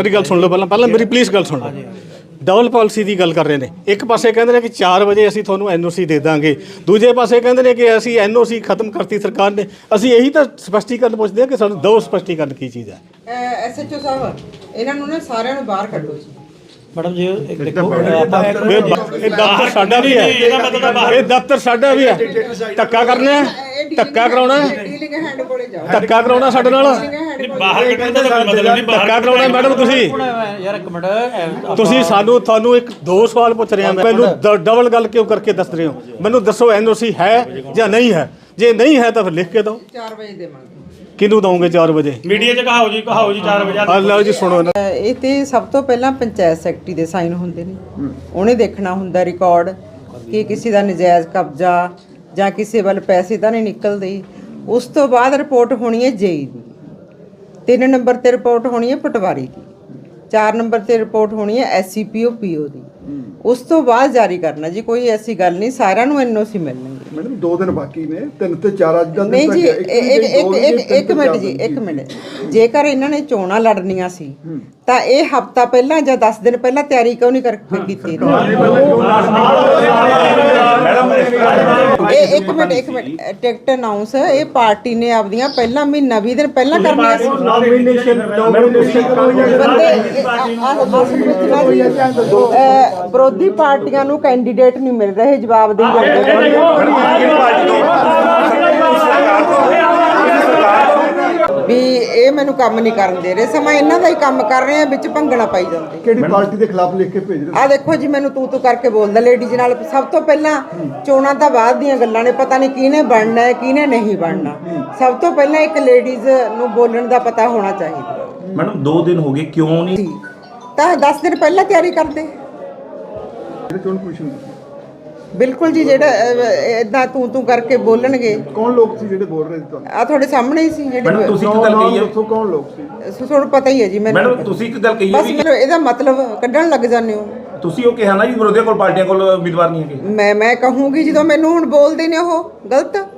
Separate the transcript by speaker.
Speaker 1: मेरी गल सुन लो पहला मेरी प्लीज़ गल सुन लो। डबल पॉलिसी की गल कर रहे हैं। एक पासे कहते हैं कि 4 वजे असीं तुहानूं NOC दे दांगे, दूजे पासे कहते हैं कि असीं NOC खत्म करती सरकार ने। असीं यही तो स्पष्टीकरण पुछदे कि सानूं दो स्पष्टीकरण की चीज़ है।
Speaker 2: SHO साहब इन्हां नूं ना सारिਆਂ ਨੂੰ ਬਾਹਰ ਕੱਢੋ ਜੀ।
Speaker 3: मैडम जी एक देखो
Speaker 1: दफ्तर साडा भी है, ये दफ्तर साडा भी है। धक्का करना है, धक्का कराउणा है,
Speaker 2: ਡੀਲਿੰਗ ਹੈਂਡ ਕੋਲੇ ਜਾਓ।
Speaker 1: धक्का कराउणा साडे नाल,
Speaker 3: बाहर कड्ढण दा कोई मतलब नहीं।
Speaker 1: धक्का कराउणा मैडम तुसीं
Speaker 3: यार एक मिनट
Speaker 1: ਤੁਸੀਂ ਤੁਹਾਨੂੰ ਇੱਕ ਦੋ ਸਵਾਲ ਪੁੱਛ ਰਿਹਾ ਮੈਂ। ਮੈਨੂੰ ਡਬਲ ਗੱਲ ਕਿਉਂ ਕਰਕੇ ਦੱਸ ਰਹੇ ਹੋ? ਮੈਨੂੰ ਦੱਸੋ NOC ਹੈ ਜਾਂ ਨਹੀਂ ਹੈ? ਜੇ ਨਹੀਂ ਹੈ ਤਾਂ ਫਿਰ ਲਿਖ ਕੇ ਦਿਓ।
Speaker 2: 4 ਵਜੇ ਦੇਵਾਂਗੇ।
Speaker 1: ਕਿਹਨੂੰ ਦਵੋਗੇ 4 ਵਜੇ?
Speaker 3: मीडिया च कहाओ जी 4 बजे।
Speaker 1: ਆ ਲਓ ਜੀ ਸੁਣੋ ਨਾ।
Speaker 2: ਇਹ ਤੇ ਸਭ ਤੋਂ ਪਹਿਲਾਂ ਪੰਚਾਇਤ ਸੈਕਟਰੀ ਦੇ ਸਾਈਨ ਹੁੰਦੇ ਨੇ। ਉਹਨੇ ਦੇਖਣਾ ਹੁੰਦਾ ਰਿਕਾਰਡ ਕਿ ਕਿਸੇ ਦਾ ਨਜਾਇਜ਼ ਕਬਜ਼ਾ ਜਾਂ ਕਿਸੇ ਵੱਲ ਪੈਸੇ ਤਾਂ ਨਹੀਂ ਨਿਕਲਦੇ। ਉਸ ਤੋਂ ਬਾਅਦ ਰਿਪੋਰਟ ਹੋਣੀ ਹੈ JE ਦੀ, 3 ਨੰਬਰ ਤੇ ਰਿਪੋਰਟ ਹੋਣੀ ਹੈ ਪਟਵਾਰੀ ਦੀ, 4 ਨੰਬਰ ਤੇ ਰਿਪੋਰਟ ਹੋਣੀ ਹੈ SCPO PO ਦੀ। ਉਸ ਤੋਂ ਬਾਅਦ ਜਾਰੀ ਕਰਨਾ ਜੀ। ਕੋਈ ਐਸੀ ਗੱਲ ਨਹੀਂ, ਸਾਰਿਆਂ ਨੂੰ NOC ਮਿਲਣਗੇ।
Speaker 4: ਮੈਡਮ 2 ਦਿਨ ਬਾਕੀ ਨੇ, 3 ਤੇ 4 ਅੱਜ ਦਾ
Speaker 2: ਨਹੀਂ ਜੀ ਇੱਕ ਮਿੰਟ ਜੀ, ਇੱਕ ਮਿੰਟ। ਜੇਕਰ ਇਹਨਾਂ ਨੇ ਚੋਣਾਂ ਲੜਨੀਆਂ ਸੀ ਤਾਂ ਇਹ ਹਫਤਾ ਪਹਿਲਾਂ ਜਾਂ 10 ਦਿਨ ਪਹਿਲਾਂ ਤਿਆਰੀ ਕਿਉਂ ਨਹੀਂ ਕੀਤੀ? ਇਹ ਇੱਕ ਮਿੰਟ ਟਿਕਟ ਅਨਾਉਂਸ ਇਹ ਪਾਰਟੀ ਨੇ ਆਪਦੀਆਂ ਪਹਿਲਾਂ ਮਹੀਨਾ 20 ਦਿਨ ਪਹਿਲਾਂ ਕਰਨੀਆਂ ਸੀ। ਵਿਰੋਧੀ ਪਾਰਟੀਆਂ ਨੂੰ ਕੈਂਡੀਡੇਟ ਨਹੀਂ ਮਿਲ ਰਹੇ, ਜਵਾਬ ਦੇਈ ਜਾਂਦੇ। ਵੀ ਇਹ ਮੈਨੂੰ ਕੰਮ ਨਹੀਂ ਕਰਨ ਦੇ ਰਹੇ, ਸਮਾਂ ਇਹਨਾਂ ਦਾ ਹੀ ਕੰਮ ਕਰ ਰਹੇ ਆ, ਵਿੱਚ ਭੰਗਣਾ ਪਾਈ ਜਾਂਦੇ।
Speaker 4: ਕਿਹੜੀ ਪਾਰਟੀ ਦੇ ਖਿਲਾਫ ਲਿਖ ਕੇ ਭੇਜ ਰਹੇ?
Speaker 2: ਆ ਦੇਖੋ ਜੀ, ਮੈਨੂੰ ਤੂੰ ਕਰਕੇ ਬੋਲਦਾ ਲੇਡੀਜ਼ ਨਾਲ। ਸਭ ਤੋਂ ਪਹਿਲਾਂ ਚੋਣਾਂ ਤਾਂ ਬਾਅਦ ਦੀਆਂ ਗੱਲਾਂ ਨੇ, ਪਤਾ ਨਹੀਂ ਕਿਹਨੇ ਬਣਨਾ ਹੈ ਕਿਹਨੇ ਨਹੀਂ ਬਣਨਾ। ਸਭ ਤੋਂ ਪਹਿਲਾਂ ਇੱਕ ਲੇਡੀਜ਼ ਨੂੰ ਬੋਲਣ ਦਾ ਪਤਾ ਹੋਣਾ ਚਾਹੀਦਾ।
Speaker 5: ਮੈਡਮ 2 ਦਿਨ ਹੋ ਗਏ, ਕਿਉਂ ਨਹੀਂ?
Speaker 2: ਤਾਂ 10 ਦਿਨ ਪਹਿਲਾਂ ਤਿਆਰੀ ਕਰਦੇ।
Speaker 4: ਚੋਣ ਕਮਿਸ਼ਨ
Speaker 2: ਬਿਲਕੁਲ ਜੀ, ਜਿਹੜਾ ਇਦਾਂ ਤੂੰ ਕਰਕੇ ਬੋਲਣਗੇ।
Speaker 4: ਕੌਣ ਲੋਕ ਸੀ ਜਿਹੜੇ ਬੋਲ ਰਹੇ ਸੀ ਤੁਹਾਨੂੰ?
Speaker 2: ਆ ਤੁਹਾਡੇ ਸਾਹਮਣੇ ਹੀ ਸੀ ਜਿਹੜੇ।
Speaker 5: ਮੈਡਮ ਤੁਸੀਂ ਇੱਕ ਗੱਲ ਕਹੀ ਹੈ,
Speaker 4: ਦੱਸੋ ਕੌਣ ਲੋਕ ਸੀ?
Speaker 2: ਤੁਹਾਨੂੰ ਪਤਾ ਹੀ ਹੈ ਜੀ ਮੈਨੂੰ।
Speaker 5: ਮੈਡਮ ਤੁਸੀਂ ਇੱਕ ਗੱਲ ਕਹੀ ਹੈ
Speaker 2: ਬਸ ਮੈਨੂੰ ਇਹਦਾ ਮਤਲਬ ਕੱਢਣ ਲੱਗ ਜਾਂਦੇ ਹੋ।
Speaker 5: ਤੁਸੀਂ ਉਹ ਕਿਹਾ ਨਾ ਜੀ ਵਿਰੋਧੀਆਂ ਕੋਲ ਪਾਰਟੀਆਂ ਕੋਲ ਉਮੀਦਵਾਰ ਨਹੀਂ ਹੈਗੇ।
Speaker 2: ਮੈਂ ਕਹੂੰਗੀ ਜਦੋਂ ਮੈਨੂੰ ਹੁਣ ਬੋਲਦੇ ਨੇ ਉਹ ਗਲਤ।